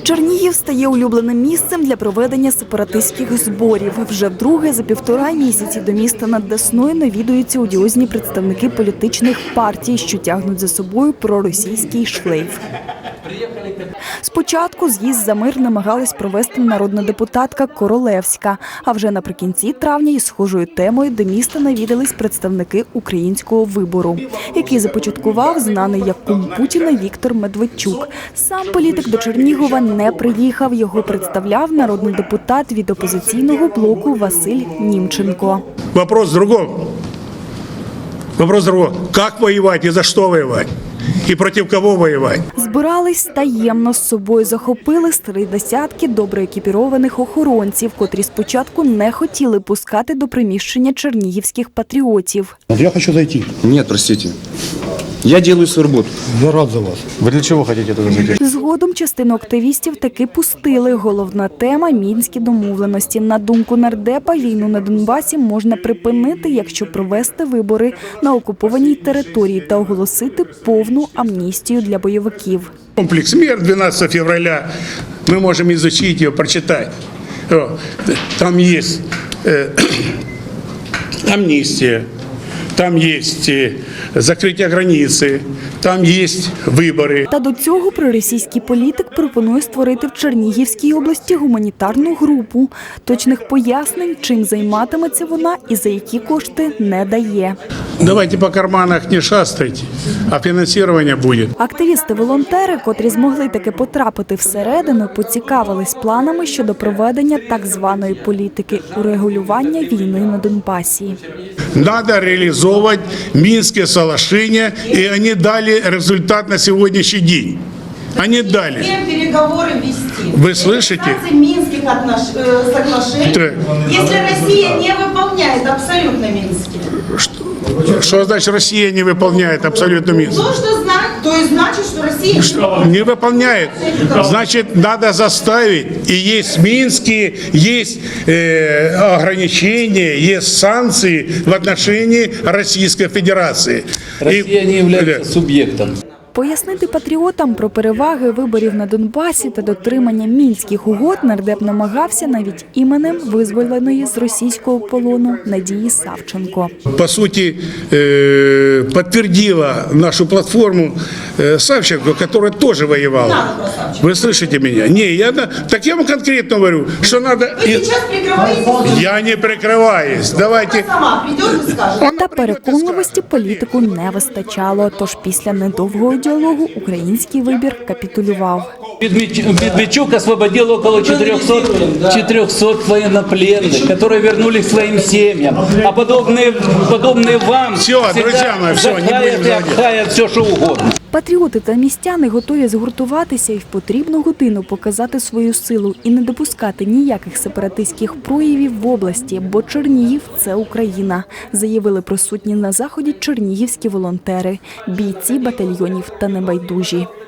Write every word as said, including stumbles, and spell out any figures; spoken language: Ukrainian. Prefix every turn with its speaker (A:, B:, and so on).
A: Чернігів стає улюбленим місцем для проведення сепаратистських зборів. Вже вдруге за півтора місяці до міста над Десною навідуються одіозні представники політичних партій, що тягнуть за собою проросійський шлейф. Спочатку з'їзд за мир намагалась провести народна депутатка Королевська, а вже наприкінці травня із схожою темою до міста навідались представники Українського вибору, який започаткував знаний як кум Путіна Віктор Медведчук. Сам політик до Чернігова не приїхав, його представляв народний депутат від опозиційного блоку Василь Німченко.
B: Вопрос в другом. Вопрос в другом. Как воевать и за что воевать? І проти кого воювати?
A: Збирались таємно, з собою захопили з три десятки добре екіпірованих охоронців, котрі спочатку не хотіли пускати до приміщення чернігівських патріотів.
C: Я хочу зайти.
D: Нет, простите. Я делаю свою работу.
C: Я рад за вас.
D: Вы для чего хотите туда зайти?
A: Згодом частину активістів таки пустили. Головна тема – мінські домовленості. На думку нардепа, війну на Донбасі можна припинити, якщо провести вибори на окупованій території та оголосити повну амністію для бойовиків.
B: Комплекс мер двенадцатого февраля, мы можем изучить его, прочитать. Там есть э, амнистия, там есть э, закриття границі, там є вибори.
A: Та до цього проросійський політик пропонує створити в Чернігівській області гуманітарну групу. Точних пояснень, чим займатиметься вона і за які кошти, не дає.
B: Давайте по карманах не шастайте, а фінансування буде.
A: Активісти-волонтери, котрі змогли таки потрапити всередину, поцікавились планами щодо проведення так званої політики урегулювання війни на Донбасі.
B: Надо реализовывать Минские соглашения, и они дали результат на сегодняшний день. Они дали.
E: Переговоры вести.
B: Вы слышите?
E: Минских отнош... соглашений.
B: Так.
E: Если Россия не выполняет абсолютно Минские.
B: Что, что значит Россия не выполняет абсолютно Минск?
E: То, что знать, то и значит, что Россия
B: Что? Не выполняет. Значит, надо заставить. И есть Минские, есть э, ограничения, есть санкции в отношении Российской Федерации.
F: Россия
B: И,
F: не является субъектом.
A: Пояснити патріотам про переваги виборів на Донбасі та дотримання мінських угод нардеп намагався навіть іменем визволеної з російського полону Надії Савченко.
B: По сути, э, подтвердила нашу платформу э, Савченко, которая тоже воевала. Вы слышите меня? Не, я, так я вам конкретно говорю, что надо...
E: Вы сейчас прикрываетесь.
B: Я не прикрываюсь. Давайте...
E: Сама придет и скажет.
A: Та переконливості політику не вистачало, тож після недовгого діалогу український вибір капітулював.
F: Медведчук освободил около четырёхсот военнопленных, которые вернулись к своим семьям. А подобные, подобные вам
B: Все, друзья мои, все, не будем
F: и обхаят все, что угодно.
A: Патріоти та містяни готові згуртуватися і в потрібну годину показати свою силу і не допускати ніяких сепаратистських проявів в області, бо Чернігів – це Україна, заявили присутні на заході чернігівські волонтери, бійці батальйонів та небайдужі.